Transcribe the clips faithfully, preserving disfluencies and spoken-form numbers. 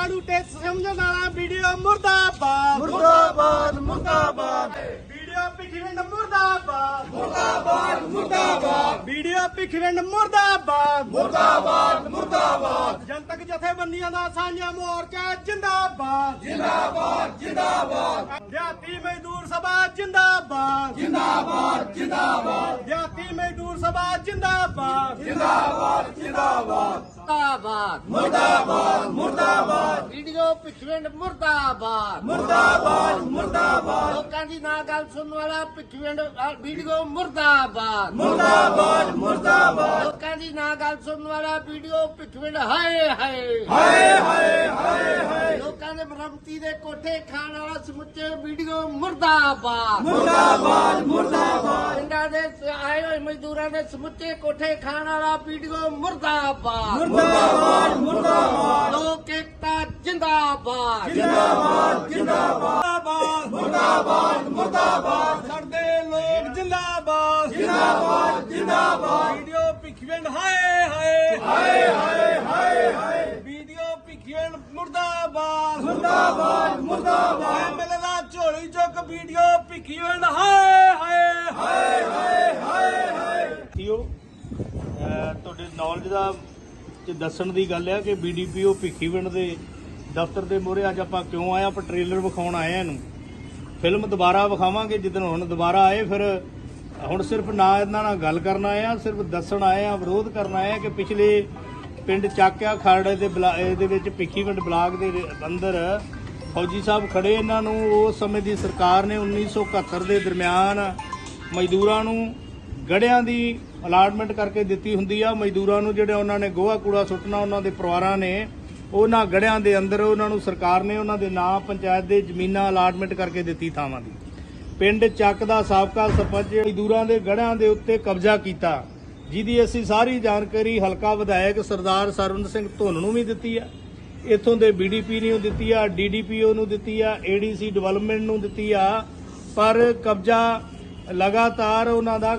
कानू test समझने वाला video मुर्दाबाद मुर्दाबाद मुर्दाबाद वीडियो पिखविंड मुर्दाबाद मुर्दाबाद मुर्दाबाद वीडियो पिखविंड मुर्दाबाद मुर्दाबाद मुर्दाबाद जनतक जथेबंदियां दा सांझा मोर्चा जिंदाबाद जिंदाबाद जिंदाबाद दिहाती मजदूर सभा जिंदाबाद जिंदाबाद जिंदाबाद दिहाती मजदूर सभा जिंदाबाद जिंदाबाद जिंदाबाद मुर्दाबाद मुर्दाबाद मुर्दाबाद वीडियो पिछवेंड मुर्दाबाद मुर्दाबाद मुर्दाबाद लोकां दी ना गल सुनने वाला पिछवेंड वीडियो मुर्दाबाद मुर्दाबाद मुर्दाबाद लोकां दी ना गल सुनने वाला वीडियो पिछवेंड हाय हाय हाय हाय हाय हाय लोकां दे मरम्मती दे कोठे खाण वाला समुच्चे वीडियो मुर्दाबाद मुर्दाबाद मुर्दाबाद पिंडां दे आए होए मजदूरां दे समुच्चे कोठे खाण वाला वीडियो मुर्दाबाद मुर्दाबाद मुर्दाबाद लोक एकता जिंदाबाद जिंदाबाद जिंदाबाद जिंदाबाद मुर्दाबाद मुर्दाबाद सड़दे लोग जिंदाबाद जिंदाबाद जिंदाबाद वीडियो पिखविंड हाय हाय हाय हाय हाय हाय वीडियो पिखविंड मुर्दाबाद मुर्दाबाद मुर्दाबाद एमएलए दा झोली चुक वीडियो पिखविंड हाय हाय ਹਾਏ ਹਾਏ ਹਾਏ ਹਾਏ ਥੀਓ ਤੁਹਾਡੇ ਨੌਲੇਜ ਦਾ ਚ ਦੱਸਣ ਦੀ ਗੱਲ ਹੈ ਕਿ ਬੀਡੀਪੀਓ ਭਿੱਖੀਵਿੰਡ ਦੇ ਦਫ਼ਤਰ ਦੇ ਮੂਹਰੇ ਅੱਜ ਆਪਾਂ ਕਿਉਂ ਆਏ ਆਪਾਂ ਟ੍ਰੇਲਰ ਵਿਖਾਉਣ ਆਏ ਆ ਇਹਨੂੰ ਫਿਲਮ ਦੁਬਾਰਾ ਵਿਖਾਵਾਂਗੇ ਜਿੱਦਣ ਹੁਣ ਦੁਬਾਰਾ ਆਏ ਫਿਰ ਹੁਣ ਸਿਰਫ ਨਾ ਇਹਨਾਂ ਨਾਲ ਗੱਲ ਕਰਨ ਆਏ ਆ ਸਿਰਫ ਦੱਸਣ ਆਏ ਆ ਵਿਰੋਧ ਕਰਨ ਆਏ ਆ ਕਿ ਪਿਛਲੇ ਪਿੰਡ ਚਾਕਿਆ ਖਰੜੇ ਦੇ ਇਹਦੇ ਵਿੱਚ ਭਿੱਖੀਵਿੰਡ ਬਲਾਕ ਦੇ ਅੰਦਰ ਫੌਜੀ ਸਾਹਿਬ ਖੜੇ ਇਹਨਾਂ ਨੂੰ ਉਸ ਸਮੇਂ ਦੀ ਸਰਕਾਰ ਨੇ ਉੱਨੀ ਸੌ ਇਕਹੱਤਰ ਦੇ ਦਰਮਿਆਨ ਮਜ਼ਦੂਰਾਂ ਨੂੰ ਗੜਿਆਂ ਦੀ ਅਲਾਟਮੈਂਟ ਕਰਕੇ ਦਿੱਤੀ ਹੁੰਦੀ ਆ ਮਜ਼ਦੂਰਾਂ ਨੂੰ ਜਿਹੜੇ ਉਹਨਾਂ ਨੇ ਗੋਹਾ ਕੂੜਾ ਸੁੱਟਣਾ ਉਹਨਾਂ ਦੇ ਪਰਿਵਾਰਾਂ ਨੇ ਉਹਨਾਂ ਗੜਿਆਂ ਦੇ ਅੰਦਰ ਉਹਨਾਂ ਨੂੰ ਸਰਕਾਰ ਨੇ ਉਹਨਾਂ ਦੇ ਨਾਂ ਪੰਚਾਇਤ ਦੇ ਜ਼ਮੀਨਾਂ ਅਲਾਟਮੈਂਟ ਕਰਕੇ ਦਿੱਤੀ ਥਾਵਾਂ ਦੀ ਪਿੰਡ ਚੱਕ ਦਾ ਸਾਬਕਾ ਸਰਪੰਚ ਮਜ਼ਦੂਰਾਂ ਦੇ ਗੜਿਆਂ ਦੇ ਉੱਤੇ ਕਬਜ਼ਾ ਕੀਤਾ ਜਿਹਦੀ ਅਸੀਂ ਸਾਰੀ ਜਾਣਕਾਰੀ ਹਲਕਾ ਵਿਧਾਇਕ ਸਰਦਾਰ ਸਰਵਨ ਸਿੰਘ ਧੁੰਨ ਨੂੰ ਵੀ ਦਿੱਤੀ ਆ ਇੱਥੋਂ ਦੇ ਬੀਡੀਪੀ ਨੂੰ ਦਿੱਤੀ ਆ ਡੀਡੀਪੀਓ ਨੂੰ ਦਿੱਤੀ ਆ ਏਡੀਸੀ ਡਿਵੈਲਪਮੈਂਟ ਨੂੰ ਦਿੱਤੀ ਆ ਪਰ ਕਬਜ਼ਾ ਲਗਾਤਾਰ ਉਹਨਾਂ ਦਾ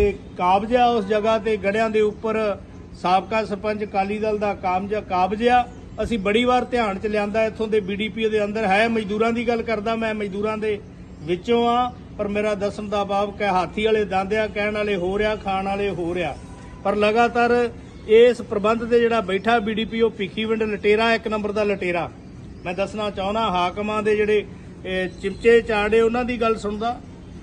ਕਾਬਜ਼ਾ ਉਸ ਜਗ੍ਹਾ ਤੇ ਗੜਿਆਂ ਦੇ ਉੱਪਰ ਸਾਬਕਾ ਸਰਪੰਚ ਅਕਾਲੀ ਦਲ ਦਾ ਕਾਬਜ਼ਾ ਕਾਬਜ਼ਾ ਅਸੀਂ ਬੜੀ ਵਾਰ ਧਿਆਨ ਚ ਲਿਆਂਦਾ ਇੱਥੋਂ ਦੇ ਬੀਡੀਪੀ ਦੇ ਅੰਦਰ ਹੈ ਮਜ਼ਦੂਰਾਂ ਦੀ ਗੱਲ ਕਰਦਾ ਮੈਂ ਮਜ਼ਦੂਰਾਂ ਦੇ ਵਿੱਚੋਂ ਆ ਪਰ ਮੇਰਾ ਦੱਸਣ ਦਾ ਬਾਬ ਕਿ ਹਾਥੀ ਵਾਲੇ ਦੰਦ ਆ ਕਹਿਣ ਵਾਲੇ ਹੋ ਰਿਹਾ ਖਾਣ ਵਾਲੇ ਹੋ ਰਿਹਾ ਪਰ ਲਗਾਤਾਰ ਇਸ ਪ੍ਰਬੰਧ ਤੇ ਜਿਹੜਾ ਬੈਠਾ ਬੀਡੀਪੀ ਉਹ ਭਿੱਖੀਵਿੰਡ ਲਟੇਰਾ ਇੱਕ ਨੰਬਰ ਦਾ ਲਟੇਰਾ ਮੈਂ ਦੱਸਣਾ ਚਾਹੁੰਦਾ ਹਾਕਮਾਂ ਦੇ ਜਿਹੜੇ ਚਿਮਚੇ ਚਾੜੇ ਉਹਨਾਂ ਦੀ ਗੱਲ ਸੁਣਦਾ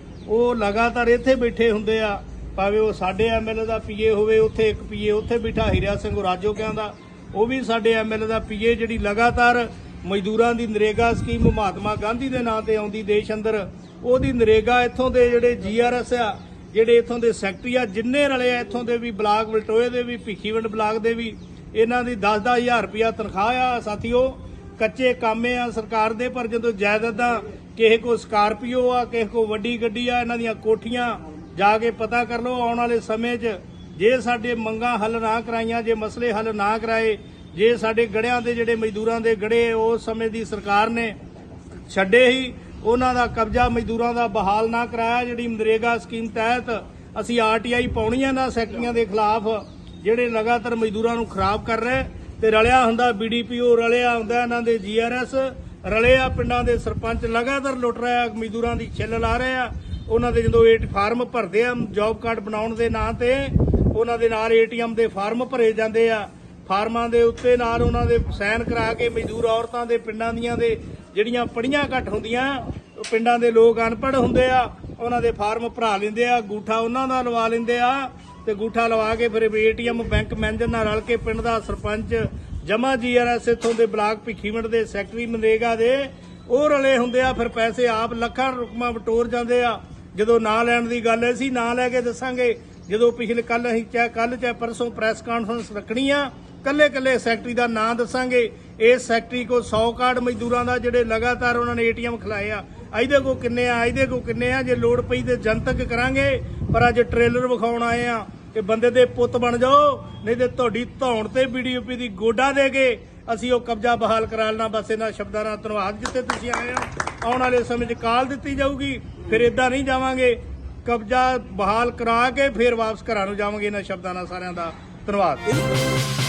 ਉਹ ਲਗਾਤਾਰ ਇੱਥੇ ਬੈਠੇ ਹੁੰਦੇ ਆ ਭਾਵੇਂ ਉਹ ਸਾਡੇ ਐਮਐਲਏ ਦਾ ਪੀਏ ਹੋਵੇ ਉੱਥੇ ਇੱਕ ਪੀਏ ਉੱਥੇ ਬੈਠਾ ਹੀਰਿਆ ਸਿੰਘ ਰਾਜੋ ਕਹਿੰਦਾ ਉਹ ਵੀ ਸਾਡੇ ਐਮਐਲਏ ਦਾ ਪੀਏ ਜਿਹੜੀ ਲਗਾਤਾਰ ਮਜ਼ਦੂਰਾਂ ਦੀ ਨਰੇਗਾ ਸਕੀਮ ਮਹਾਤਮਾ ਗਾਂਧੀ ਦੇ ਨਾਂ ਤੇ ਆਉਂਦੀ ਦੇਸ਼ ਅੰਦਰ ਉਹਦੀ ਨਰੇਗਾ ਇੱਥੋਂ ਦੇ ਜਿਹੜੇ ਜੀਆਰਐਸ ਆ ਜਿਹੜੇ ਇੱਥੋਂ ਦੇ ਸੈਕਟਰੀ ਆ ਜਿੰਨੇ ਰਲੇ ਆ ਇੱਥੋਂ ਦੇ ਵੀ ਬਲਾਕ ਵਲਟੋਏ ਦੇ ਵੀ ਭਿੱਖੀਵਿੰਡ ਬਲਾਕ ਦੇ ਵੀ ਇਹਨਾਂ ਦੀ ਦਸ ਦਸ ਹਜ਼ਾਰ ਰੁਪਇਆ ਤਨਖਾਹ ਆ ਸਾਥੀਓ ਕੱਚੇ ਕਾਮੇ ਆ ਸਰਕਾਰ ਦੇ ਪਰ ਜਦੋਂ ਜਾਇਦਾਦਾਂ ਕਿਸੇ ਕੋ ਸਕਾਰਪੀਓ ਆ ਕਿਸੇ ਕੋ ਵੱਡੀ ਗੱਡੀ ਆ ਇਹਨਾਂ ਦੀਆਂ ਕੋਠੀਆਂ ਜਾ ਕੇ ਪਤਾ ਕਰ ਲਓ ਆਉਣ ਵਾਲੇ ਸਮੇਂ 'ਚ ਜੇ ਸਾਡੇ ਮੰਗਾਂ ਹੱਲ ਨਾ ਕਰਾਈਆਂ ਜੇ ਮਸਲੇ ਹੱਲ ਨਾ ਕਰਾਏ ਜੇ ਸਾਡੇ ਗੜਿਆਂ ਦੇ ਜਿਹੜੇ ਮਜ਼ਦੂਰਾਂ ਦੇ ਗੜੇ ਉਸ ਸਮੇਂ ਦੀ ਸਰਕਾਰ ਨੇ ਛੱਡੇ ਹੀ ਉਹਨਾਂ ਦਾ ਕਬਜ਼ਾ ਮਜ਼ਦੂਰਾਂ ਦਾ ਬਹਾਲ ਨਾ ਕਰਾਇਆ ਜਿਹੜੀ ਨਰੇਗਾ ਸਕੀਮ ਤਹਿਤ ਅਸੀਂ ਆਰਟੀਆਈ ਪਾਉਣੀਆਂ ਨਾ ਸੈਕਟਰੀਆਂ ਦੇ ਖਿਲਾਫ ਜਿਹੜੇ ਲਗਾਤਾਰ ਮਜ਼ਦੂਰਾਂ ਨੂੰ ਖਰਾਬ ਕਰ ਰਹੇ ਤੇ ਰਲਿਆ ਹੁੰਦਾ ਬੀਡੀਪੀਓ ਰਲਿਆ ਹੁੰਦਾ ਇਹਨਾਂ ਦੇ ਜੀਆਰਐਸ ਰਲੇ ਆ ਪਿੰਡਾਂ ਦੇ ਸਰਪੰਚ ਲਗਾਤਾਰ ਲੁੱਟ ਰਿਹਾ ਮਜ਼ਦੂਰਾਂ ਦੀ ਛਿੱਲ ਲਾ ਰਹੇ ਆ ਉਹਨਾਂ ਦੇ ਜਦੋਂ ਏਟ ਫਾਰਮ ਭਰਦੇ ਆ ਜੌਬ ਕਾਰਡ ਬਣਾਉਣ ਦੇ ਨਾਂ ਤੇ ਉਹਨਾਂ ਦੇ ਨਾਲ ਏਟੀਐਮ ਦੇ ਫਾਰਮ ਭਰੇ ਜਾਂਦੇ ਆ ਫਾਰਮਾਂ ਦੇ ਉੱਤੇ ਨਾਲ ਉਹਨਾਂ ਦੇ ਸਾਈਨ ਕਰਾ ਕੇ ਮਜ਼ਦੂਰ ਔਰਤਾਂ ਦੇ ਪਿੰਡਾਂ ਦੀਆਂ ਦੇ ਜਿਹੜੀਆਂ ਪੜੀਆਂ ਘੱਟ ਹੁੰਦੀਆਂ ਪਿੰਡਾਂ ਦੇ ਲੋਕ ਅਨਪੜ੍ਹ ਹੁੰਦੇ ਆ ਉਹਨਾਂ ਦੇ ਫਾਰਮ ਭਰਾ ਲੈਂਦੇ ਆ ਗੂਠਾ ਉਹਨਾਂ ਦਾ ਲਵਾ ਲੈਂਦੇ ਆ ਤੇ ਗੂਠਾ ਲਵਾ ਕੇ ਫਿਰ ਏਟੀਐਮ ਬੈਂਕ ਮੈਨੇਜਰ ਨਾਲ ਰਲ ਕੇ ਪਿੰਡ ਦਾ ਸਰਪੰਚ ਜਮਾ ਜੀਆਰਐਸ ਇੱਥੋਂ ਦੇ ਬਲਾਕ ਭਿੱਖੀਵਿੰਡ ਦੇ ਸੈਕਟਰੀ ਮਨਰੇਗਾ ਦੇ ਉਹ ਰਲੇ ਹੁੰਦੇ ਆ ਫਿਰ ਪੈਸੇ ਆਪ ਲੱਖਾਂ ਰੁਪਈਆ ਵਟੋਰ ਜਾਂਦੇ ਆ ਜਦੋਂ ਨਾਂ ਲੈਣ ਦੀ ਗੱਲ ਅਸੀਂ ਨਾਂ ਲੈ ਕੇ ਦੱਸਾਂਗੇ ਜਦੋਂ ਪਿਛਲੇ ਕੱਲ ਅਸੀਂ ਚਾਹੇ ਕੱਲ ਚਾਹੇ ਪਰਸੋਂ ਪ੍ਰੈਸ ਕਾਨਫਰੰਸ ਰੱਖਣੀ ਆ ਕੱਲੇ ਕੱਲੇ ਸੈਕਟਰੀ ਦਾ ਨਾਂ ਦੱਸਾਂਗੇ ਇਸ ਸੈਕਟਰੀ ਕੋ ਸੌ ਕਾਰਡ ਮਜ਼ਦੂਰਾਂ ਦਾ ਜਿਹੜੇ ਲਗਾਤਾਰ ਉਹਨਾਂ ਨੇ ਏਟੀਐਮ ਖਿਲਾਏ ਆ ਇਹਦੇ ਕੋ ਕਿੰਨੇ ਆ ਇਹਦੇ ਕੋ ਕਿੰਨੇ ਆ ਜੇ ਲੋੜ ਪਈ ਤੇ ਜਨਤਕ ਕਰਾਂਗੇ ਪਰ ਅੱਜ ਟ੍ਰੇਲਰ ਵਿਖਾਉਣ ਆਏ ਆ ਕਿ ਬੰਦੇ ਦੇ ਪੁੱਤ ਬਣ ਜਾਓ ਨਹੀਂ ਤੇ ਤੁਹਾਡੀ ਧੌਣ ਤੇ ਬੀਡੀਪੀ ਦੀ ਗੋਡਾ ਦੇ ਕੇ ਅਸੀਂ ਉਹ ਕਬਜ਼ਾ ਬਹਾਲ ਕਰਾ ਲੈਣਾ ਬਸ ਇਹਨਾਂ ਸ਼ਬਦਾਂ ਨਾਲ ਧੰਨਵਾਦ ਜਿੱਥੇ ਤੁਸੀਂ ਆਏ ਹੋ ਆਉਣ ਵਾਲੇ ਸਮੇਂ 'ਚ ਕਾਲ ਦਿੱਤੀ ਜਾਊਗੀ ਫਿਰ ਇਦਾਂ ਨਹੀਂ ਜਾਵਾਂਗੇ ਕਬਜ਼ਾ ਬਹਾਲ ਕਰਾ ਕੇ ਫਿਰ ਵਾਪਸ ਘਰਾਂ ਨੂੰ ਜਾਵਾਂਗੇ ਇਹਨਾਂ ਸ਼ਬਦਾਂ ਨਾਲ ਸਾਰਿਆਂ ਦਾ ਧੰਨਵਾਦ।